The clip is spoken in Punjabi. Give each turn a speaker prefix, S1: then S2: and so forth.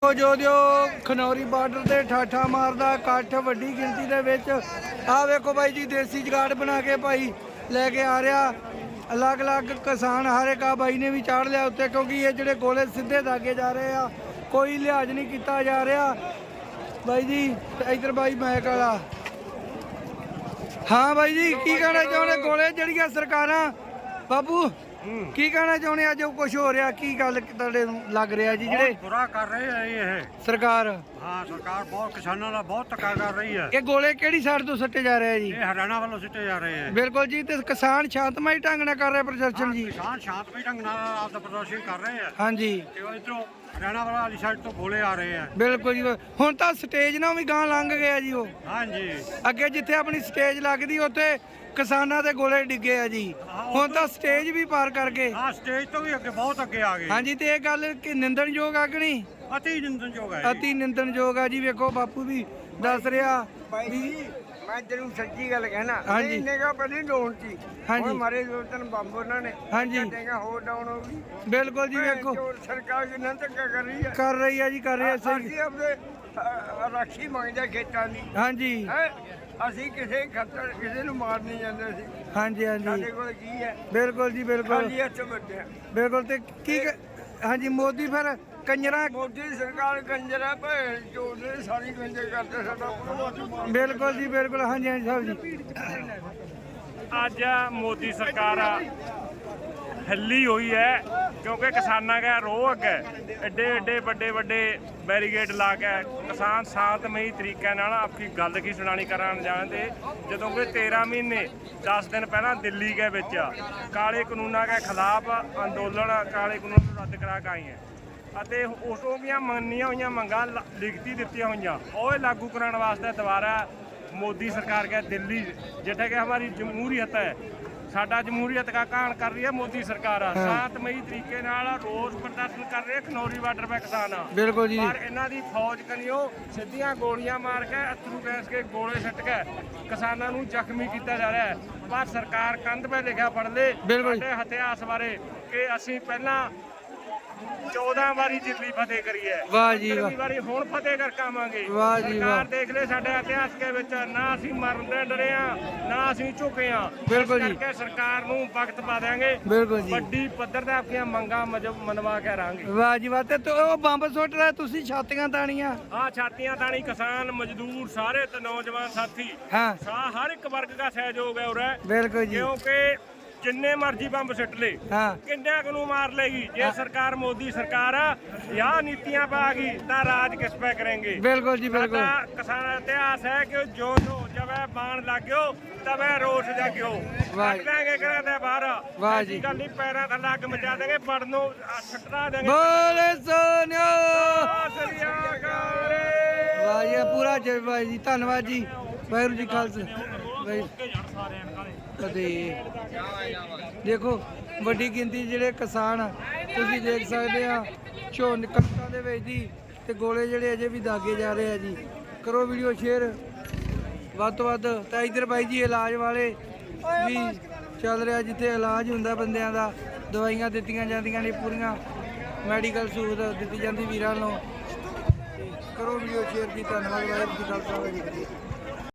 S1: ਜੋ ਖਨੌਰੀ ਬਾਰਡਰ ਤੇ ਠਾਠਾ ਮਾਰਦਾ ਇਕੱਠ ਵੱਡੀ ਗਿਣਤੀ ਦੇ ਵਿੱਚ। ਆਹ ਵੇਖੋ ਬਾਈ ਜੀ ਦੇਸੀ ਜਗਾੜ ਬਣਾ ਕੇ ਭਾਈ ਲੈ ਕੇ ਆ ਰਿਹਾ। ਅਲੱਗ-ਅਲੱਗ ਕਿਸਾਨ ਹਰ ਇੱਕ ਆ ਬਾਈ ਨੇ ਵੀ ਚਾੜ ਲਿਆ ਉੱਤੇ, ਕਿਉਂਕਿ ਇਹ ਜਿਹੜੇ ਗੋਲੇ ਸਿੱਧੇ ਦਾਗੇ ਜਾ ਰਹੇ ਆ, ਕੋਈ ਲਿਹਾਜ਼ ਨਹੀਂ ਕੀਤਾ ਜਾ ਰਿਹਾ ਬਾਈ ਜੀ। ਇਧਰ ਬਾਈ ਮੈਕ ਵਾਲਾ। ਹਾਂ ਬਾਈ ਜੀ ਕੀ ਕਹਿਣਾ ਚਾਹੁੰਦੇ? ਗੋਲੇ ਜਿਹੜੀਆਂ ਸਰਕਾਰਾਂ ਬਾਬੂ ਕੀ ਕਹਿਣਾ ਚਾਹੁੰਦੇ? ਅੱਜ ਕੁਝ ਹੋ ਰਿਹਾ, ਕੀ ਗੱਲ ਤੁਹਾਡੇ ਨੂੰ ਲੱਗ ਰਿਹਾ ਜੀ? ਜਿਹੜੇ
S2: ਬੁਰਾ ਕਰ ਰਹੇ ਆ ਇਹ
S1: ਸਰਕਾਰ,
S2: ਹਾਂ ਸਰਕਾਰ ਬਹੁਤ ਕਿਸਾਨਾਂ ਦਾ ਬਹੁਤ ਧੱਕਾ ਕਰ ਰਹੀ ਹੈ।
S1: ਇਹ ਗੋਲੇ ਕਿਹੜੀ ਸਾਈਡ ਤੋਂ ਸੱਟੇ ਜਾ ਰਹੇ ਆ ਜੀ?
S2: ਇਹ ਹਰਿਆਣਾ ਵੱਲੋਂ ਸਿੱਟੇ ਜਾ ਰਹੇ ਆ।
S1: ਬਿਲਕੁਲ ਜੀ। ਤੇ ਕਿਸਾਨ ਸ਼ਾਂਤਮਈ ਢੰਗ ਨਾਲ ਕਰ ਰਹੇ ਪ੍ਰਦਰਸ਼ਨ ਜੀ?
S2: ਕਿਸਾਨ ਸ਼ਾਂਤਮਈ ਢੰਗ ਨਾਲ ਆਪਦਾ ਪ੍ਰਦਰਸ਼ਨ ਕਰ ਰਹੇ ਆ।
S1: ਹਾਂਜੀ
S2: ਤੇ ਇਧਰੋਂ ਹਰਿਆਣਾ ਵਾਲੀ ਸਾਈਡ ਤੋਂ ਗੋਲੇ ਆ ਰਹੇ ਆ।
S1: ਬਿਲਕੁਲ ਜੀ। ਹੁਣ ਤਾਂ ਸਟੇਜ ਨਾਲ ਵੀ ਗਾਂ ਲੰਘ ਗਿਆ ਜੀ ਉਹ।
S2: ਹਾਂਜੀ
S1: ਅੱਗੇ ਜਿੱਥੇ ਆਪਣੀ ਸਟੇਜ ਲੱਗਦੀ ਉੱਥੇ ਕਿਸਾਨਾਂ ਦੇ ਗੋਲੇ ਡਿੱਗੇ ਆ ਜੀ, ਹੁਣ ਤਾਂ ਸਟੇਜ ਵੀ ਪਾਰ ਕਰ ਗਏ।
S2: ਹਾਂ ਸਟੇਜ ਤੋਂ ਵੀ ਅੱਗੇ ਬਹੁਤ ਅੱਗੇ ਆ ਗਏ।
S1: ਹਾਂਜੀ ਤੇ ਇਹ ਗੱਲ ਕਿ ਨਿੰਦਣਯੋਗ ਆ ਕਿ ਨਹੀਂ?
S2: ਅਤੀ ਨਿੰਦਣਯੋਗ ਹੈ।
S1: ਅਤੀ ਨਿੰਦਣਯੋਗ ਆ ਜੀ। ਵੇਖੋ ਬਾਪੂ ਵੀ ਦੱਸ ਰਿਹਾ ਵੀ
S3: ਮੈਂ ਤੈਨੂੰ ਸੱਚੀ ਗੱਲ ਕਹਿਣਾ।
S1: ਹਾਂਜੀ।
S3: ਇੰਨੇ ਕਾ ਪਹਿਲੀ ਡਾਊਨ ਸੀ।
S1: ਹਾਂਜੀ।
S3: ਹੁਣ ਮਾਰੇ ਦੋ ਤਿੰਨ ਬੰਬ ਉਹਨਾਂ ਨੇ।
S1: ਹਾਂਜੀ।
S3: ਕਹਿੰਦਾ ਹੋਰ ਡਾਊਨ ਹੋ ਗਈ।
S1: ਬਿਲਕੁਲ ਜੀ। ਵੇਖੋ
S3: ਸਰਕਾਰ ਕਿੰਨਾ ਧੱਕਾ ਕਰ ਰਹੀ ਹੈ।
S1: ਕਰ ਰਹੀ ਆ ਜੀ, ਕਰ ਰਹੀ ਆ ਸਹੀ।
S3: ਅਸੀਂ ਆਪਣੇ ਰਾਖੀ ਮੰਗਦੇ ਖੇਤਾਂ ਦੀ।
S1: ਹਾਂਜੀ
S3: ਹੈ ਅਸੀਂ ਕਿਸੇ ਖੱਤਰ ਕਿਸੇ ਨੂੰ ਮਾਰ ਨਹੀਂ ਜਾਂਦੇ ਸੀ।
S1: ਹਾਂਜੀ ਹਾਂਜੀ
S3: ਸਾਡੇ ਕੋਲ ਕੀ ਹੈ?
S1: ਬਿਲਕੁਲ ਜੀ ਬਿਲਕੁਲ
S3: ਖਾਲੀ ਹੱਥ ਬੱਟਿਆ।
S1: ਬਿਲਕੁਲ। ਤੇ ਕੀ ਹਾਂਜੀ ਮੋਦੀ ਫਿਰ ਕੰਜਰਾ।
S3: ਮੋਦੀ ਸਰਕਾਰ ਕੰਜਰਾ ਭੈਣ ਚੋਦ ਸਾਰੀ ਕੰਜਰ ਕਰਦੇ ਸਾਡਾ ਭਗਵੰਤ।
S1: ਬਿਲਕੁਲ ਜੀ ਬਿਲਕੁਲ। ਹਾਂਜੀ ਹਾਂਜੀ ਸਾਹਿਬ ਜੀ।
S4: ਅੱਜ ਮੋਦੀ ਸਰਕਾਰ ਹਿੱਲੀ ਹੋਈ ਹੈ ਕਿਉਂਕਿ ਕਿਸਾਨਾਂ ਦਾ ਰੋਹ ਅੱਗੇ ਐਡੇ ਵੱਡੇ ਬੈਰੀਗੇਡ ਲਾ ਕੇ ਕਿਸਾਨ ਸ਼ਾਂਤਮਈ ਤਰੀਕੇ ਨਾਲ ਆਪਣੀ ਗੱਲ ਕੀ ਸੁਣਾਣੀ ਕਰਨ ਜਾਣਦੇ। ਜਦੋਂ ਕਿ 13 ਮਹੀਨੇ 10 ਦਿਨ ਪਹਿਲਾਂ ਦਿੱਲੀ ਦੇ ਵਿੱਚ ਕਾਲੇ ਕਾਨੂੰਨਾਂ ਦੇ ਖਿਲਾਫ ਅੰਦੋਲਨ ਕਾਲੇ ਕਾਨੂੰਨ ਨੂੰ ਰੱਦ ਕਰਾ ਕੇ ਆਏ ਹੈ ਅਤੇ ਉਸ ਤੋਂ ਦੀਆਂ ਮੰਨੀਆਂ ਹੋਈਆਂ ਮੰਗਾਂ ਲਿਖਤੀ ਦਿੱਤੀਆਂ ਹੋਈਆਂ ਉਹ ਲਾਗੂ ਕਰਾਉਣ ਵਾਸਤੇ ਦੁਬਾਰਾ मोदी सरकार गया दिल्ली जिथे कि हमारी जमहूरियत है, साडा जमहूरियत का कान कर रही है मोदी सरकार। शांतमई तरीके नाल रोस प्रदर्शन कर रहे खनौरी बार्डर पे किसान।
S1: बिल्कुल जी।
S4: पर इन्हां दी फौज कनियो सीधियां गोलियां मार के अथरू गैस के गोले सट के किसानां नूं जख्मी किया जा रहा है। पर सरकार कंध पे लिखा पढ़ ले साडे इतिहास बारे कि असीं पहलां 14 ਵਾਰੀ ਦਿੱਲੀ ਫਤਿਹ ਕਰੀ ਹੈ।
S1: ਵਾਹ ਜੀ ਵਾਹ।
S4: ਵਾਰੀ ਹੁਣ ਫਤਿਹ ਕਰਕੇ ਆਵਾਂਗੇ।
S1: ਵਾਹ ਜੀ ਵਾਹ।
S4: ਸਰਕਾਰ ਦੇਖ ਲੈ ਸਾਡੇ ਇਤਿਹਾਸ ਦੇ ਵਿੱਚ ਨਾ ਅਸੀਂ ਮਰਨ ਦੇ ਡਰੇ ਆ ਨਾ ਅਸੀਂ ਝੁਕੇ ਆ।
S1: ਬਿਲਕੁਲ ਜੀ।
S4: ਕਰਕੇ ਸਰਕਾਰ ਨੂੰ ਵਕਤ ਪਾ ਦੇਾਂਗੇ।
S1: ਬਿਲਕੁਲ ਜੀ।
S4: ਵੱਡੀ ਪੱਧਰ ਤੇ ਆਪਣੀਆਂ ਮੰਗਾਂ ਮਨਵਾ ਕੇ ਰਾਂਗੇ।
S1: ਵਾਹ ਜੀ ਵਾਹ। ਤੇ ਉਹ ਬੰਬ ਸੁੱਟ ਰਿਹਾ ਤੁਸੀਂ ਛਾਤੀਆਂ ਤਾਣੀਆਂ?
S4: ਹਾਂ ਛਾਤੀਆਂ ਤਾਣੀ ਕਿਸਾਨ ਮਜ਼ਦੂਰ ਸਾਰੇ ਤੇ ਨੌਜਵਾਨ ਸਾਥੀ
S1: ਹਾਂ
S4: ਹਰ ਇੱਕ ਵਰਗ ਦਾ ਸਹਿਯੋਗ ਹੈ ਉਰੇ।
S1: ਬਿਲकुल जी।
S4: ਕਿਉਂਕਿ जिन्ने मर्जी बंब सिट ले किन्ने को मार लेगी। जे सरकार मोदी सरकार या नीतियां पा गई तो राज किस पे करेंगे।
S1: बिल्कुल जी बिल्कुल।
S4: किसान इतिहास है कि जो जब बाण लाग्यो तब रोस जाग्यो बाहर।
S1: वाह जी।
S4: गल नहीं पैरों थले अग मचा देंगे पड़नों सट्टा देंगे।
S1: बोले सोनिया। वाह जी पूरा जय भाई जी। धन्यवाद जी। वाहिगुरू जी खालसा ਅਤੇ ਦੇਖੋ ਵੱਡੀ ਗਿਣਤੀ ਜਿਹੜੇ ਕਿਸਾਨ ਤੁਸੀਂ ਦੇਖ ਸਕਦੇ ਆ ਝੋਨੇ ਕਣਕਾਂ ਦੇ ਵਿੱਚ ਦੀ ਤੇ ਗੋਲੇ ਜਿਹੜੇ ਅਜੇ ਵੀ ਦਾਗੇ ਜਾ ਰਹੇ ਆ ਜੀ। ਕਰੋ ਵੀਡੀਓ ਸ਼ੇਅਰ ਵੱਧ ਤੋਂ ਵੱਧ। ਤਾਂ ਇੱਧਰ ਬਾਈ ਜੀ ਇਲਾਜ ਵਾਲੇ ਵੀ ਚੱਲ ਰਿਹਾ ਜਿੱਥੇ ਇਲਾਜ ਹੁੰਦਾ ਬੰਦਿਆਂ ਦਾ, ਦਵਾਈਆਂ ਦਿੱਤੀਆਂ ਜਾਂਦੀਆਂ ਨੇ, ਪੂਰੀਆਂ ਮੈਡੀਕਲ ਸਹੂਲਤ ਦਿੱਤੀ ਜਾਂਦੀ ਵੀਰਾਂ ਨੂੰ। ਕਰੋ ਵੀਡੀਓ ਸ਼ੇਅਰ ਜੀ। ਧੰਨਵਾਦ। ਵਾਹਿਗੁਰੂ ਜੀ ਕਾ ਖਾਲਸਾ ਵਾਹਿਗੁਰੂ ਜੀ ਕੀ ਫਤਿਹ।